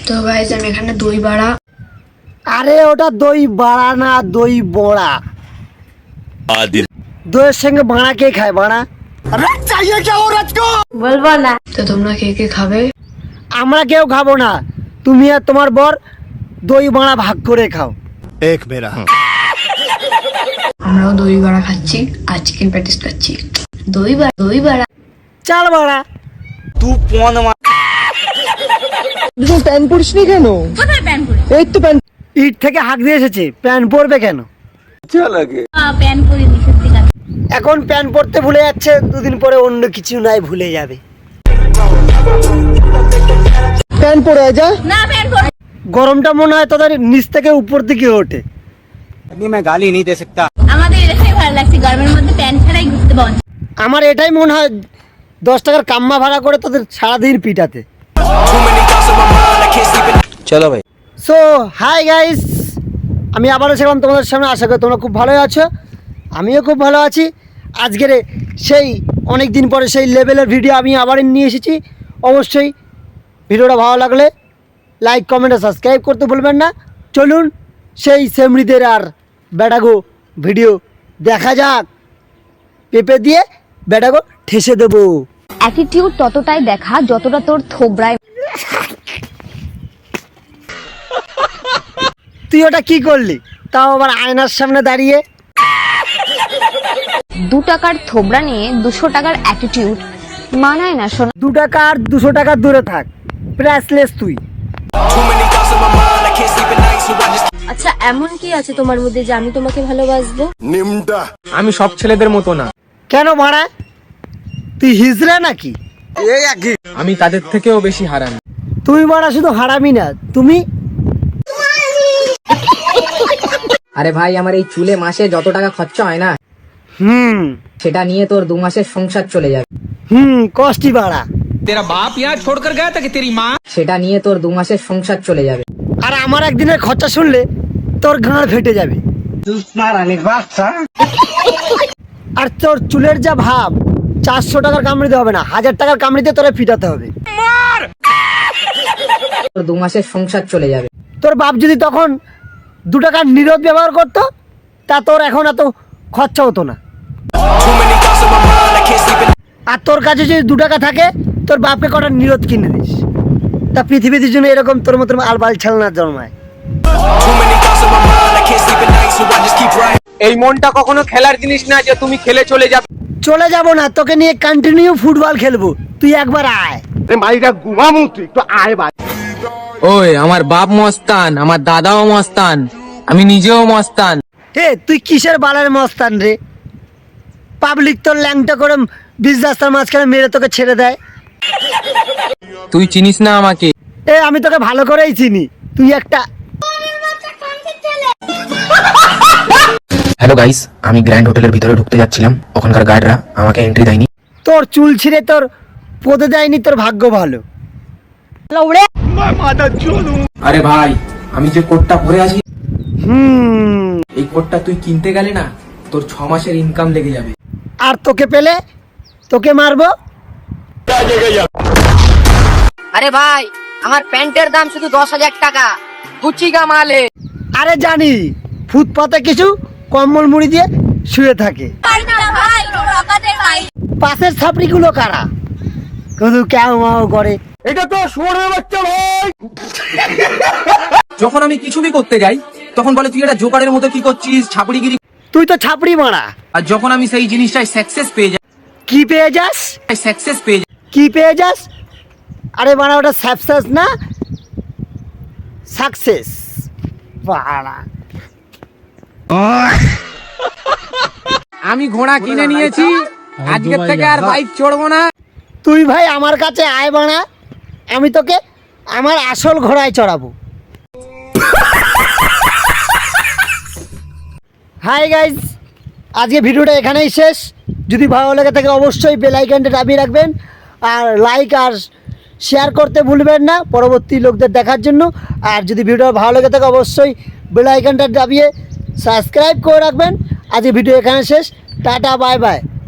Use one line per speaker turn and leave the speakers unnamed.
তো গাইস আমি এখানে দই বড়া।
আরে ওটা দই বড়া না, দই বড়া। দইয়ের সঙ্গে বাড়া কে খায়? বাড়া
বলবো না। তো তোমরা কে কে খাবে?
আমরা কেউ খাবো না, তুমি আর তোমার বর দই বড়া ভাগ করে খাও।
एक मेरा
আমরাও দই বড়া খাচ্ছি আর চিকেন প্যাটিস খাচ্ছি। দই বড়া
চাল বড়া।
প্যান্ট পরিসনি কেন? এই তো প্যান্ট।
ইট থেকে হাঁক দিয়ে এসেছে, প্যান্ট পরবে কেন? এখন প্যান্ট পরতে ভুলে যাচ্ছে, দুদিন পরে অন্য কিছু নাই ভুলে যাবে।
প্যান্ট পরে যা।
গরমটা মনে হয় তাদের নিচ থেকে উপর দিকে ওঠে।
আমাদের এটাই ভালো লাগছে, গরমের মধ্যে প্যান্ট ছাড়াই ঘুরতে পাওয়া যায়।
আমার এটাই মনে হয় 10 টাকার কাম্মা ভাড়া করে তাদের সারাদিন পিটাতে।
চলো ভাই।
সো হাই গাইস, আমি আবারও সেরকম তোমাদের সামনে। আশা করি তোমরা খুব ভালোই আছো, আমিও খুব ভালো আছি। আজকের সেই অনেক দিন পরে সেই লেভেলের ভিডিও আমি আবার নিয়ে এসেছি। অবশ্যই ভিডিওটা ভালো লাগলে লাইক কমেন্ট আর সাবস্ক্রাইব করতে ভুলবেন না। চলুন সেই সেমরিদের আর বেটাগো ভিডিও দেখা যাক। পেঁপে দিয়ে বেটাগো ঠেসে দেবো।
অ্যাটিটিউড ততটাই দেখা যতটা তোর থোবরায়।
তুই ওটা কি করলি, তাও আবার আয়নার সামনে দাঁড়িয়ে?
2 টাকার থোবরা নিয়ে 200 টাকার অ্যাটিটিউড মানায় না শোনা।
2 টাকা আর 200 টাকা দূরে থাক, প্রাইসলেস তুই।
আচ্ছা এমন কি আছে তোমার মধ্যে যে আমি তোমাকে ভালোবাসবো?
আমি সব ছেলেদের মতো না,
কেন মারা, তুই হিজড়া নাকি?
আমি তাদের থেকেও বেশি হারামি।
তুই মারা শুধু হারামি না, তুমি।
আরে ভাই, আমার এই চুলে মাসে যত টাকা খরচা হয় না, সেটা নিয়ে তোর 2 মাসের সংসার চলে যাবে।
কষ্টি বাড়া।
তেরা বাপ यहाँ छोड़कर गया था कि तेरी माँ?
সেটা নিয়ে তোর 2 মাসের সংসার চলে যাবে।
আর আমার একদিনের খরচা শুনলে তোর গাঁড় ফেটে যাবে। আর তোর চুলের যা ভাব, 400 টাকার কামড়িতে হবে না, 1000 টাকার কামড়িতে তোরে ফিটাতে হবে।
তোর 2 মাসের সংসার চলে যাবে।
তোর বাপ যদি তখন 2 টাকার নিরোধ ব্যবহার করতো, তা তোর এখন এত খরচা হতো না। আর তোর কাছে যদি 2 টাকা থাকে, তোর বাপকে কটা নিরোধ কিনে দিস, তা পৃথিবীর জন্য এরকম তোর মতো আলবাল ছালনা জন্মায়।
এই মনটা কখনো খেলার জিনিস না যে তুমি খেলে চলে যাবে।
চলে যাব না, তোকে নিয়ে কন্টিনিউ ফুটবল খেলবো, তুই একবার আয়।
ওই আমার বাপ মস্তান, আমার দাদাও মস্তান, আমি নিজেও মস্তান।
হে তুই কিসের বালের মস্তান রে? পাবলিক তোর ল্যাংটা করে 20 রাস্তার মাঝখানে মেরে তোকে ছেড়ে দেয়।
তুই চিনিস না আমাকে।
আমি তোকে ভালো করেই চিনি, তুই একটা।
হ্যালো গাইস, আমি গ্র্যান্ড হোটেলের ভিতরে ঢুকতে যাচ্ছিলাম, ওখানকার গার্ডরা আমাকে এন্ট্রি দেয়নি।
তোর চুল ছিঁড়ে তোর পদে দেয়নি, তোর ভাগ্য ভালো।
আরে ভাই, আমি যে কোটটা পরে আছি, এই কোটটা তুই কিনতে গেলে না, তোর 6 মাসের ইনকাম লেগে যাবে।
আর তোকে পেলে তোকে মারবো।
আরে ভাই, আমার প্যান্টের দাম শুধু 10,000 টাকা, গুচি গা মালে।
আরে জানি, ফুটপাতে কিছু কম্বল মুড়ি দিয়ে শুয়ে থাকে। পাশের ছাপড়িগুলো কারা? শুধু ক্যাও মাও করে।
এটা তো শুয়োরের বাচ্চা ভাই।
যখন আমি কিছুই করতে যাই, তখন বলে তুই এটা জোকারের মতো কি করছিস, ছাপড়িগিরি।
তুই তো ছাপড়ি মারা।
আর যখন আমি সেই জিনিসটাই সাকসেস পেয়ে যাই,
কি পেয়ে যাস?
সাকসেস পেয়ে যাই।
কি পেয়ে যাস? আরে মারা, ওটা সাকসেস না, সাকসেস বাড়া।
আমি ঘোড়া কিনে নিয়েছি, আজকের থেকে আর বাইক চড়বো না।
তুই ভাই আমার কাছে আয় বানা, আমি তোকে আমার আসল ঘোড়ায় চড়াবো। হাই গাইজ, আজকে ভিডিওটা এখানেই শেষ। যদি ভালো লাগে থাকে অবশ্যই বেল আইকনটা দাবিয়ে রাখবেন, আর লাইক আর শেয়ার করতে ভুলবেন না পরবর্তী লোকদের দেখার জন্য। আর যদি ভিডিওটা ভালো লাগে থাকে অবশ্যই বেল আইকনটা দাবিয়ে সাবস্ক্রাইব করে রাখবেন। আজকে ভিডিও এখানে শেষ, টাটা বাই বাই।